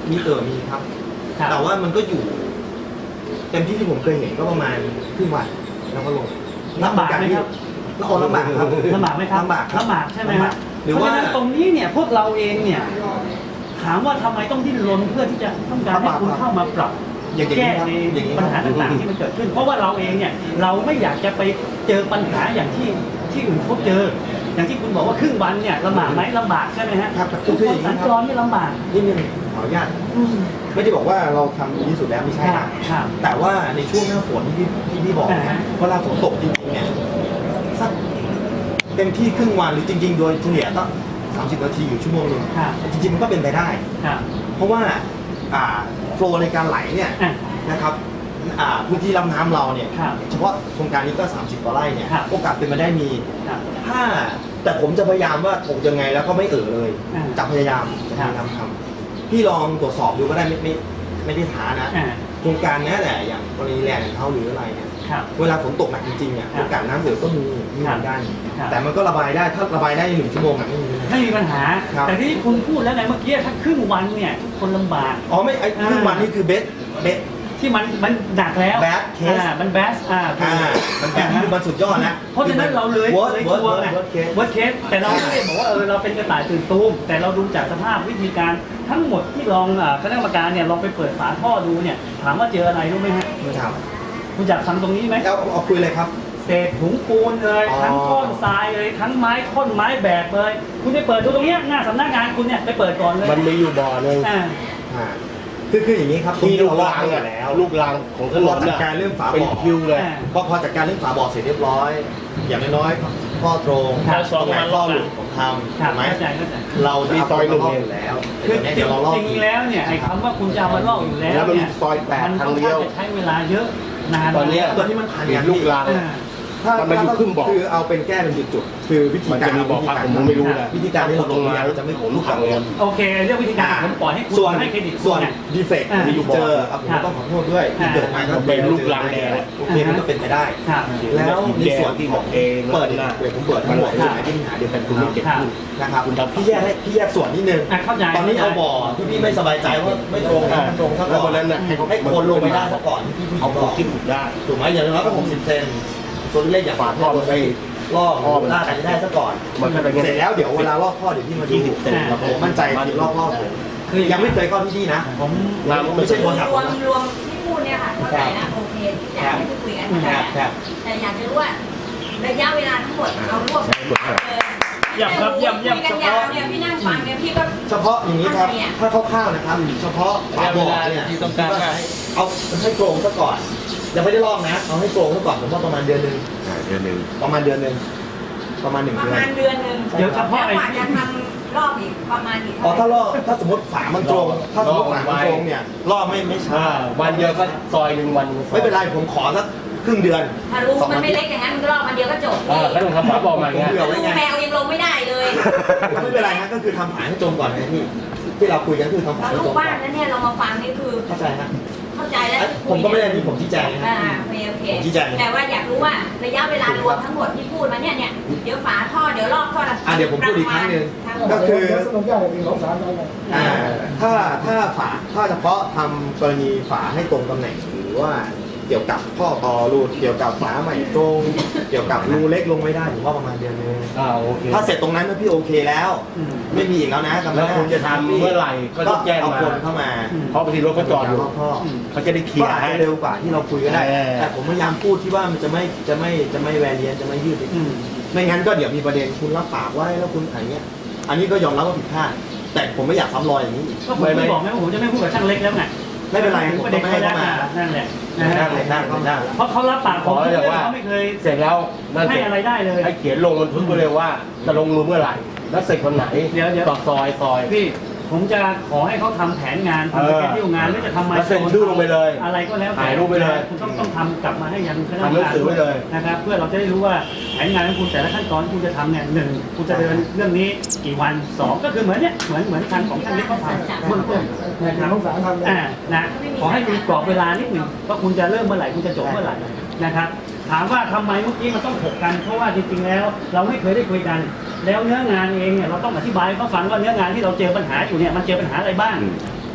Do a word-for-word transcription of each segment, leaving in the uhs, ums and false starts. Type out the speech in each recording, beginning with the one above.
มีเออมีครับแต่ว่ามันก็อยู่เต็มที่ที่ผมเคยเห็นก็ประมาณครึ่งวันแล้วก็ลงลำบากไหมครับแล้วลำบากครับลำบากไหมครับลำบากลำบากใช่ไหมครับหรือเพราะว่าฉะนั้นตรงนี้เนี่ยพวกเราเองเนี่ยถามว่าทำไมต้องดิ้นรนเพื่อที่จะต้องการให้คุณเข้ามาปรับแก้ในปัญหาต่างๆที่มันเกิดขึ้นเพราะว่าเราเองเนี่ยเราไม่อยากจะไปเจอปัญหาอย่างที่ที่อื่นเขาเจอ อย่างที่คุณบอกว่าครึ่งวันเนี่ยลำบากไหมลำบากใช่ไหมฮะครับทุกคนสัญจรไม่ลำบากนี่นึงขออนุญาตไม่ได้บอกว่าเราทำดีที่สุดแล้วไม่ใช่นะแต่ว่าในช่วงหน้าฝนที่พี่ที่พี่บอกนะเวลาฝนตกจริงๆเนี่ยสักเต็มที่ครึ่งวันหรือจริงๆโดยเฉลี่ยก็สามสิบนาทีอยู่ชั่วโมงนึงจริงๆมันก็เป็นไปได้เพราะว่าโฟลว์ในการไหลเนี่ยนะครับพื้นที่ลำน้ำเราเนี่ยเฉพาะโครงการนี้ก็สามสิบกว่าไร่เนี่ยโอกาสเป็นไปได้มีถ้าแต่ผมจะพยายามว่าถกยังไงแล้วก็ไม่เอ่อเลยจะพยายามจะพยายามทำพี่ลองตรวจสอบดูก็ได้ไม่ไม่ไม่ได้ท้านะโครงการนี้แหละอย่างกรณีแลนด์ของเขาหรืออะไรเนี่ยเวลาฝนตกหนักจริงๆเนี่ยโอกาสน้ำเหลือก็มีมีเหมือนกันแต่มันก็ระบายได้ถ้าระบายได้ในหนึ่งชั่วโมงไม่มีไม่มีปัญหาแต่ที่คุณพูดแล้วไงเมื่อกี้ถ้าครึ่งวันเนี่ยทุกคนลำบากอ๋อไม่ไอ้ครึ่งวันนี่คือเบสเบสที่มันมันหนักแล้ว bad case มันแบสอ่ามันแบดคือมันสุดยอดนะเพราะฉะนั้นเราเลยเลยกลัวไง worst case แต่เราไม่ได้บอกว่าเออเราเป็นกระต่ายตื่นตูมแต่เราดูจากสภาพวิธีการทั้งหมดที่ลองคณะกรรมการเนี่ยลองไปเปิดฝาท่อดูเนี่ยถามว่าเจออะไรรู้ไหมฮะไม่ทราบคุณอยากฟังตรงนี้ไหมเอาเอาคุยเลยครับเศษถุงปูนเลยทั้งก้อนทรายเลยทั้งไม้ท่อนไม้แบกเลยคุณไปเปิดดูตรงนี้หน้าสำนักงานคุณเนี่ยไปเปิดก่อนเลยมันมีอยู่บ่อนึงคือคืออย่างนี้ครับที่ลูกรางแล้วลูกรางของถนนจัดการเรื่องฝาบ่อเป็นคิวเลยพอพอจัดการเรื่องฝาบ่อเสร็จเรียบร้อยอย่างน้อยๆข้อตรงตรงไหนข้อหลุดผมทำถูกไหมเราจะเอาไปลงอยู่แล้วคือจริงๆแล้วเนี่ยไอ้คำว่าคุณจะมาลอกอยู่แล้วเนี่ยมันต้องใช้เวลาเยอะนานตอนนี้ตัวที่มันผ่านลูกรางถ้าถ้าคือเอาเป็นแก้เป็นจุดๆคือวิธีการมีบอกว่าผมไม่รู้นะวิธีการที่เราลงมาจะไม่ผมลูกกังวลโอเคเรื่องวิธีการผมปล่อยให้คุณให้เครดิตส่วนดีเฟกต์ที่เจอผมต้องขอโทษด้วยที่เกิดมาก็เป็นลูกรางแดงโอเคมันก็เป็นไปได้แล้วในส่วนที่บอกเองเปิดเดี๋ยวผมเปิดทั้งหมดที่หาที่หาเดียวกันคุณไม่เก็บขึ้นนะครับพี่แยกให้พี่แยกส่วนนิดนึงตอนนี้เอาบ่อที่พี่ไม่สบายใจว่าไม่ตรงกันตรงซะก่อนให้คนลงไปได้ซะก่อนที่พี่เอาบอกที่ถูกได้ถูกไหมอย่างน้อยก็หกสิบเซนตัวเล็กอย่างฝาท่อมันไปลอกท่อลากกันได้ซะก่อนเสร็จแล้วเดี๋ยวเวลาลอกท่อเดี๋ยวพี่มาดูผมมั่นใจที่ลอกท่อผมคือยังไม่เคยเข้าที่นี่นะผมไม่ใช่คนขับรวมรวมที่พูดเนี่ยค่ะเข้าใจนะโอเคที่อยากให้พูดคุยกันแต่แต่อยากจะรู้ว่าระยะเวลาทั้งหมดเรารวบย่ำครับย่ำย่ำเฉพาะเนี่ยพี่นั่งฟังเนี่ยพี่ก็เฉพาะอย่างนี้ครับถ้าคร่าวๆนะครับเฉพาะฝาบ่อเนี่ยเอาให้โกงซะก่อนยังไม่ได้ลอกนะเอาให้โกงซะก่อนผมว่าประมาณเดือนหนึ่งเดือนหนึ่งประมาณเดือนหนึ่งประมาณหนึ่งเดือนประมาณเดือนหนึ่งเดี๋ยวเฉพาะไอ้จะทำรอบอีกประมาณอีกอ๋อถ้าลอกถ้าสมมติฝามันตรงถ้าสมมติฝามันตรงเนี่ยลอกไม่ไม่ช้าวันเดียวก็ซอยหนึ่งวันไม่เป็นไรผมขอสักครึ่งเดือนถ้ารู้มันไม่เล็กอย่างนั้นมันก็รอบวันเดียวก็จบเออแล้วทำฝาบ่อมาไงแมวยังลงไม่ได้เลยไม่เป็นไรนะก็คือทำฝาให้ตรงก่อนไงพี่ที่เราคุยกันคือทำฝาให้ตรงก่อนลูกบ้านนั้นเนี่ยเรามาฟังนี่คือเข้าใจฮะเข้าใจแล้วผมก็ไม่ได้ที่ผมชี้แจงนะอ่าโอเคโอเคแต่ว่าอยากรู้ว่าระยะเวลารวมทั้งหมดที่พูดมาเนี่ยเนี่ยเดี๋ยวฝาท่อเดี๋ยวรอบท่ออ่าเดี๋ยวผมพูดอีกครั้งหนึ่งก็คืออ่าถ้าถ้าฝาถ้าเฉพาะทำกรณีฝาให้ตรงตำแหน่งหรือว่าเกี่ยวกับข้อต่อรูเกี่ยวกับฝาใหม่ตรงเกี่ยวกับรูเล็กลงไม่ได้ผมว่าประมาณเดือนนึงถ้าเสร็จตรงนั้นพี่โอเคแล้วไม่มีอีกแล้วนะแล้วคุณจะทำเมื่อไหร่ก็ต้องแจ้งมาคนเข้ามาเพราะบางทีรถเขาจอดอยู่เขาจะได้เคลียร์ให้เร็วกว่าที่เราคุยกันได้แต่ผมพยายามพูดที่ว่ามันจะไม่จะไม่จะไม่แวร์เลียนจะไม่ยืดไม่งั้นก็เดี๋ยวมีประเด็นคุณรับปากไว้แล้วคุณอะไรเงี้ยอันนี้ก็ยอมรับว่าผิดพลาดแต่ผมไม่อยากซ้ำรอยอย่างนี้อีกก็ผมไม่บอกไหมว่าผมจะไม่พูดกับช่างเล็กแล้วไงไม่เป็นไรผมไม่ให้เขามานั่นแหละนั่นเลยนั่นนั่นเพราะเขารับปากผมเขาไม่เคยเสร็จแล้วให้อะไรได้เลยให้เขียนลงบันทึกไปเลยว่าจะลงมือเมื่อไหร่แล้วเสร็จวันไหนเดี๋ยวเดี๋ยวต่อซอยซอยพี่ผมจะขอให้เขาทำแผนงานทำสเกจดิวงานแล้วจะทำมาเซ็นชื่อลงไปเลยอะไรก็แล้วถ่ายรูปไปเลยคุณต้องต้องทำกลับมาให้ยังคณะกรรมการด้วยนะครับเพื่อเราจะได้รู้ว่าแผนงานของคุณแต่ละขั้นตอนคุณจะทำเนี่ยหนึ่งคุณจะเดินเรื่องนี้กี่วันสองก็คือเหมือนเนี่ยเหมือนเหมือนทางของท่านเล็กเขาทำเบื้องต้นนะครับอ่านะขอให้มีกรอบเวลานิดหนึ่งว่าคุณจะเริ่มเมื่อไหร่คุณจะจบเมื่อไหร่นะครับถามว่าทำไมเมื่อกี้มันต้องถกกันเพราะว่าจริงๆแล้วเราไม่เคยได้คุยกันแล้วเนื้องานเองเนี่ยเราต้องอธิบายให้เขาฟังว่าเนื้องานที่เราเจอปัญหาอยู่เนี่ยมันเจอปัญหาอะไรบ้าง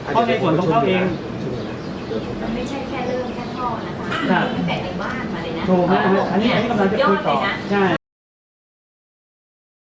เพราะในส่วนของเขาเองมันไม่ใช่แค่เรื่องแค่ท่อนะคะครับตั้งแต่ในบ้านมาเลยนะถูกนะอันนี้อันนี้กำลังจะคุยต่อสุดยอดเลยนะใช่